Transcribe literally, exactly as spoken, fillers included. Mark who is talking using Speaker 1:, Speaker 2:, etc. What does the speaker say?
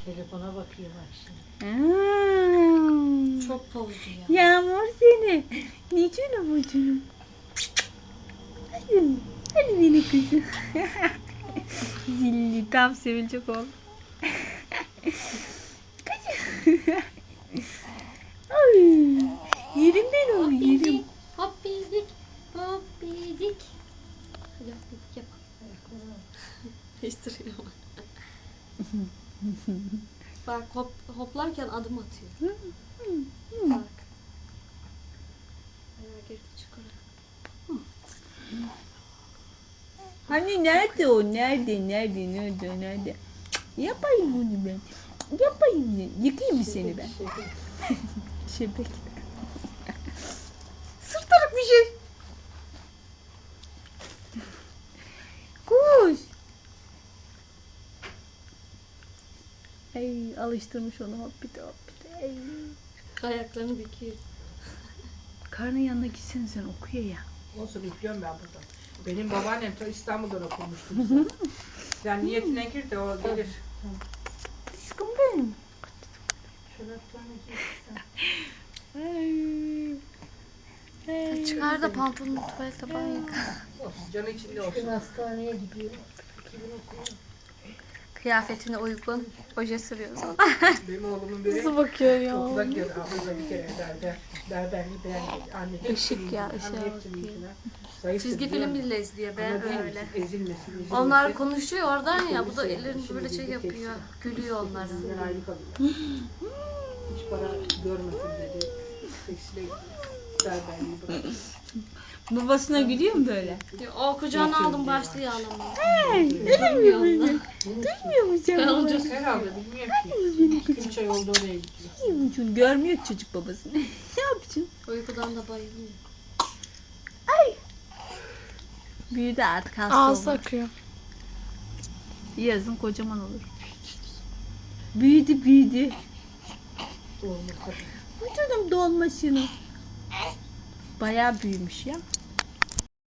Speaker 1: Telefona bakıyor bak şimdi.
Speaker 2: Aa,
Speaker 1: Çok pozdu ya.
Speaker 2: Yağmur seni. Ne canım o canım. Hadi, hadi beni kızım. Zilli tam sevilecek oğlum. Kızım. Ay, yerim ben onu yerim.
Speaker 3: Hoppidik, hoppidik. Hadi hoppidik yap. Değiştiriyor. Bak hop, hoplarken adım atıyor. Bak. Ayağı girdi çukura.
Speaker 2: Hani nerede o? Nerede? Nerede? Nerede? Nerede? Yapayım bunu ben. Yapayım ya. Yıkayayım mı seni ben? Şebek. Sırtarık bir şey. Kuş. Ay alıştırmış onu hoppite hoppite. Ay.
Speaker 3: Ayaklarını büküyor.
Speaker 2: Karnın yanına gitsen sen okuyor ya.
Speaker 4: Olsun üflüyorum ben burada. Benim babaannem ta İstanbul'dan okumuştu bize. Sen niyetine gir de o gelir.
Speaker 2: Aşkım benim. Ay.
Speaker 3: Çıkar da pantolonunu tuvalete banyo yıka.
Speaker 4: Olsun, canı içinde olsun.
Speaker 1: Bugün hastaneye gidiyor. Kimin okuyor?
Speaker 3: Kıyafetine uygun oje sürüyoruz ona.
Speaker 4: Benim oğlumun biri
Speaker 3: Nasıl bakıyor ya?
Speaker 4: okula gidiyor. Abla bir kere derdi. Berberli beğenmedi. Anne
Speaker 3: Işık ya, ışığa
Speaker 4: Anne hepsini
Speaker 3: bakıyor.
Speaker 4: iyisine. Zayıftır,
Speaker 3: Çizgi
Speaker 4: biliyor
Speaker 3: film
Speaker 4: musun?
Speaker 3: bile izliyor ben
Speaker 4: Ama değil mi?
Speaker 3: öyle.
Speaker 4: Ezilmesin, ezilmesin.
Speaker 3: Onlar konuşuyor oradan ya, bu da
Speaker 4: Ezilmesin.
Speaker 3: ellerini
Speaker 4: Şimdi
Speaker 3: böyle şey
Speaker 4: bizde
Speaker 3: yapıyor,
Speaker 4: tek-
Speaker 3: gülüyor onlara.
Speaker 4: Bizden ayrı kalıyor. Hiç para görmesin dedi. Tekstile berberliği bıraktı.
Speaker 2: Babasına gülüyor mu böyle?
Speaker 3: O kucağına aldım başlıyor ağlamaya.
Speaker 2: Hey,
Speaker 3: Duymuyor onlar.
Speaker 2: duymuyor musun sen
Speaker 3: Ben
Speaker 2: babasını?
Speaker 3: olacak.
Speaker 4: Herhalde bilmiyorum ki. İki üç ay oldu oraya gidiyor.
Speaker 2: Yumucun görmüyor ki çocuk babasını. Ne yapacaksın?
Speaker 3: Uykudan da bayılıyor.
Speaker 2: Ay. Büyüdü artık hasta
Speaker 3: Ağzı
Speaker 2: oldu.
Speaker 3: akıyor.
Speaker 2: Yazın kocaman olur. Büyüdü büyüdü.
Speaker 4: Olmaz tabii.
Speaker 2: Bu canım dolma şunu. Bayağı büyümüş ya.